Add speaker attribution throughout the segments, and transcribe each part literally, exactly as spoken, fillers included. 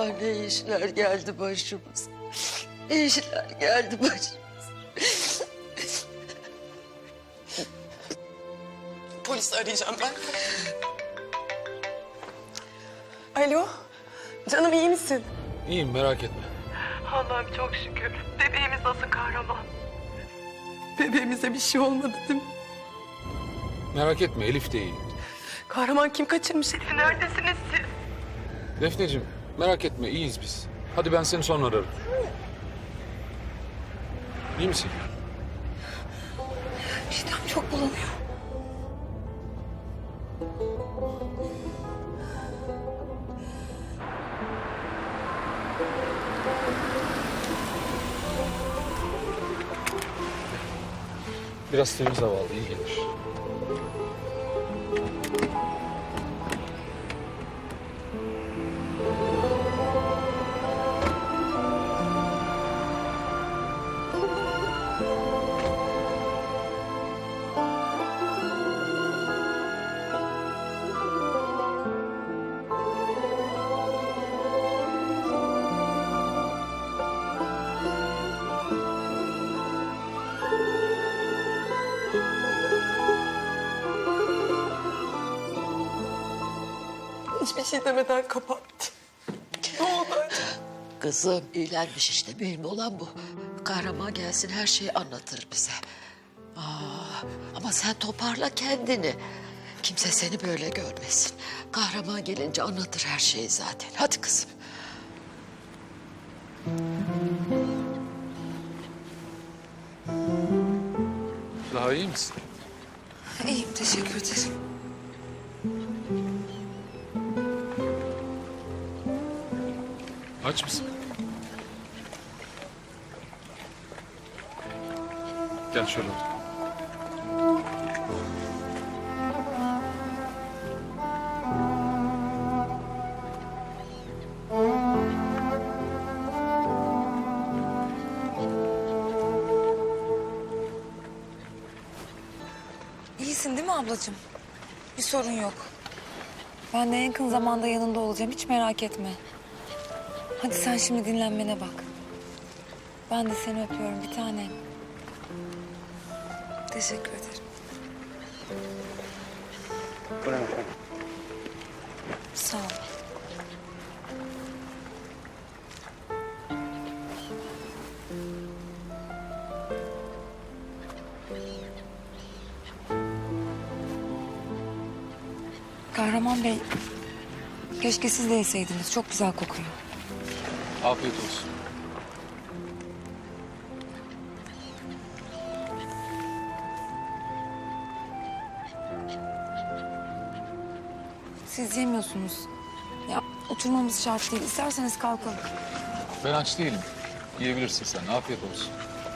Speaker 1: Ah ne işler geldi başımıza. Ne işler geldi başımıza.
Speaker 2: Polisi arayacağım ben. Alo. Canım iyi misin?
Speaker 3: İyiyim, merak etme.
Speaker 2: Allah'ım çok şükür. Bebeğimiz nasıl kahraman? Bebeğimize bir şey olmadı değil mi?
Speaker 3: Merak etme, Elif de iyi.
Speaker 2: Kahraman kim kaçırmış Elif'i? Neredesiniz siz?
Speaker 3: Defneciğim, merak etme, iyiyiz biz. Hadi ben seni sonra ararım. İyi misin?
Speaker 2: Midem çok bulanıyor.
Speaker 3: Biraz temiz hava al, iyi gelir.
Speaker 2: Hiçbir şey demeden kapattı. Ne oldu acaba?
Speaker 1: Kızım iyilenmiş işte, mühim olan bu. Kahraman gelsin, her şeyi anlatır bize. Aa, ama sen toparla kendini. Kimse seni böyle görmesin. Kahraman gelince anlatır her şeyi zaten. Hadi kızım.
Speaker 3: Daha iyi misin?
Speaker 2: İyiyim, teşekkür ederim.
Speaker 3: Aç mısın? Gel şöyle otur.
Speaker 4: İyisin değil mi ablacığım? Bir sorun yok. Ben de en yakın zamanda yanında olacağım. Hiç merak etme. Hadi sen şimdi dinlenmene bak. Ben de seni öpüyorum bir tanem. Teşekkür ederim.
Speaker 5: Buyurun efendim.
Speaker 4: Sağ ol. Kahraman Bey, keşke siz de yeseydiniz. Çok güzel kokuyor.
Speaker 3: Afiyet olsun.
Speaker 4: Siz yemiyorsunuz. Ya oturmamız şart değil. İsterseniz kalkalım.
Speaker 3: Ben aç değilim. Yiyebilirsin sen, afiyet olsun.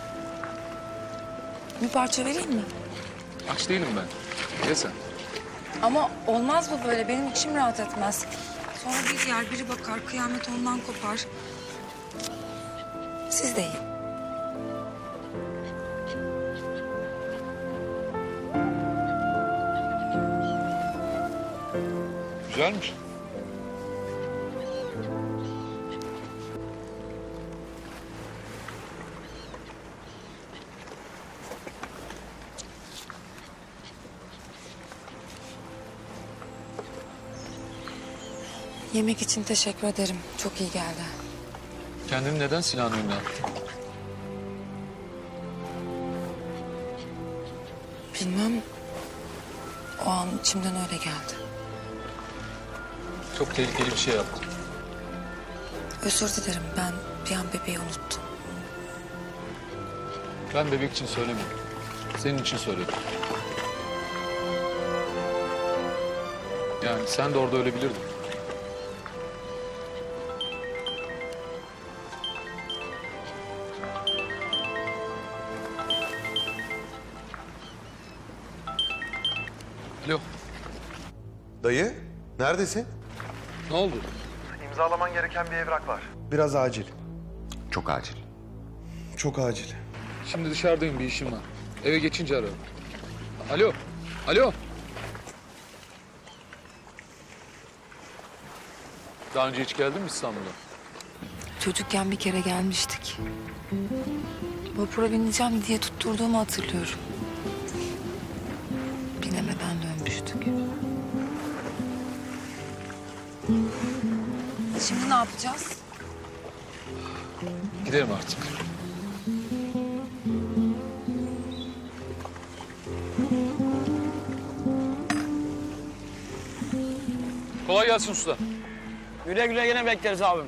Speaker 4: Bir parça vereyim mi?
Speaker 3: Aç değilim ben. Ye sen.
Speaker 4: Ama olmaz bu böyle. Benim içim rahat etmez. Sonra bir yer biri bakar, kıyamet ondan kopar. Siz de yiyin.
Speaker 3: Güzelmiş.
Speaker 4: Yemek için teşekkür ederim. Çok iyi geldi.
Speaker 3: Kendini neden silahın önüne attın?
Speaker 4: Bilmem. O an içimden öyle geldi.
Speaker 3: Çok tehlikeli bir şey yaptın.
Speaker 4: Özür dilerim. Ben bir an bebeği unuttum.
Speaker 3: Ben bebek için söylemedim. Senin için söyledim. Yani sen de orada ölebilirdin. Alo,
Speaker 6: Dayı, neredesin?
Speaker 3: ne oldu?
Speaker 5: İmzalaman gereken bir evrak var.
Speaker 6: Biraz acil.
Speaker 7: Çok acil.
Speaker 6: Çok acil.
Speaker 3: Şimdi dışarıdayım, bir işim var. Eve geçince ararım. Alo, alo. Daha önce hiç geldin mi İstanbul'a?
Speaker 4: Çocukken bir kere gelmiştik. Vapura bineceğim diye tutturduğumu hatırlıyorum. Binemeden dönmüştük. Şimdi ne yapacağız?
Speaker 3: Gidelim artık. Kolay gelsin usta.
Speaker 7: Güle güle yine bekleriz abim.